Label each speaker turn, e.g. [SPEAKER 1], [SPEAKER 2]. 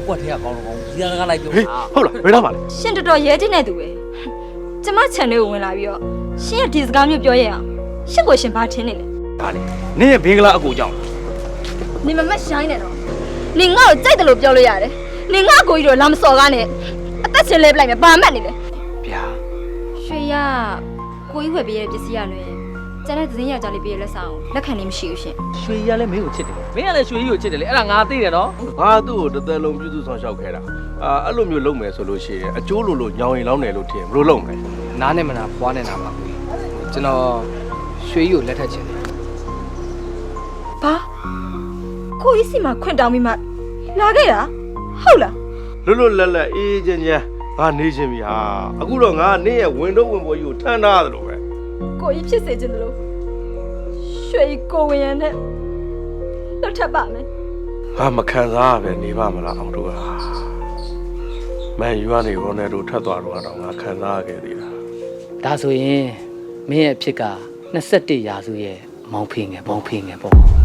[SPEAKER 1] ကွက်ထဲကကောင်းတော့ကောင်းဒီကလိုက်ပြော
[SPEAKER 2] ဟေးဟုတ်လားဘယ်တော့မှလဲ
[SPEAKER 3] ရှင်တော်တော်ရဲတင်နေသူပဲကျမ channel ကိုဝင်လာပြီးတော့ရှင်ရဲ့ဒီစကားမျိုးပြောရအောင်ရှင်ကိုရှင်ဘာထင်နေလဲ
[SPEAKER 2] ဒါလေနင်းရဲ့ဘင်္ဂလားအကူကြောင့်
[SPEAKER 3] နေမမတ်ရှိုင်းနေတော့နေငါ့ကိုကြိုက်တယ်လို့ပြောလို့ရတယ်နေငါ့ကိုကြီးတော့လာမစော်ကားနဲ့အသက်ရှင်လဲပလိုက်မယ်ဘာမှတ်နေလဲ
[SPEAKER 2] ဗျာ
[SPEAKER 3] ရွှေရကိုကြီးဝယ်ပေးရတဲ့ပစ္စည်းရလွယ်ကျန်တဲ့သတင်းယောက်ျားလေးပေးရလက်ဆောင်လက်ခံနေမရှိဘူးရှင်
[SPEAKER 1] ရွှေကြီးကလည်းမင်းကိုချစ်တယ်မင်းကလည်းရွှေကြီးကိုချစ်တယ်လေအဲ့ဒါငါသိတယ်နော်
[SPEAKER 4] ငါသူ့ကိုတစ်သက်လုံးပြုစုဆောင်ရှောက်ခဲ့တာအဲ့လိုမျိုးလုပ်မယ်ဆိုလို့ရှိရင်အကျိုးလိုညောင်ရင်လောင်းတယ်လို့ထင်ဘယ်လိုလုပ်မလဲ
[SPEAKER 5] နားနဲ့မနာဖွားနဲ့နာပါဘူးကျွန်တော်ရွှေကြီးကိုလက်ထပ်ချင်တယ်
[SPEAKER 3] ဘာကိုကြီးစီမှာခွင့်တောင်းပြီးမှလာခဲ့တာဟုတ်လား
[SPEAKER 4] လွတ်လွတ်လပ်လပ်အေးချမ်းချမ်းငါနေချင်းပြီဟာအခုတော့ငါနင့်ရဲ့ဝင်တော့ဝင်ပေါ်ကြီးကိုထမ်းထားတယ်လို့ပဲ
[SPEAKER 3] ကိုကြီးဖြစ်စေချင်တယ်လို့ရွှေကိုဝင်ရနဲ့လောက်ထပ်ပါမယ်
[SPEAKER 4] ငါမခံစားရပဲနေပါမလားအောင်တို့ဟာမန်ယူကနေရိုနယ်ဒိုထပ်သွားတော့ငါခံစားရခဲ့သေးတာ
[SPEAKER 5] ဒါဆိုရင်မင်းရဲ့အဖြစ်က21ရာစုရဲ့မောင်ဖေငယ်ပေါ့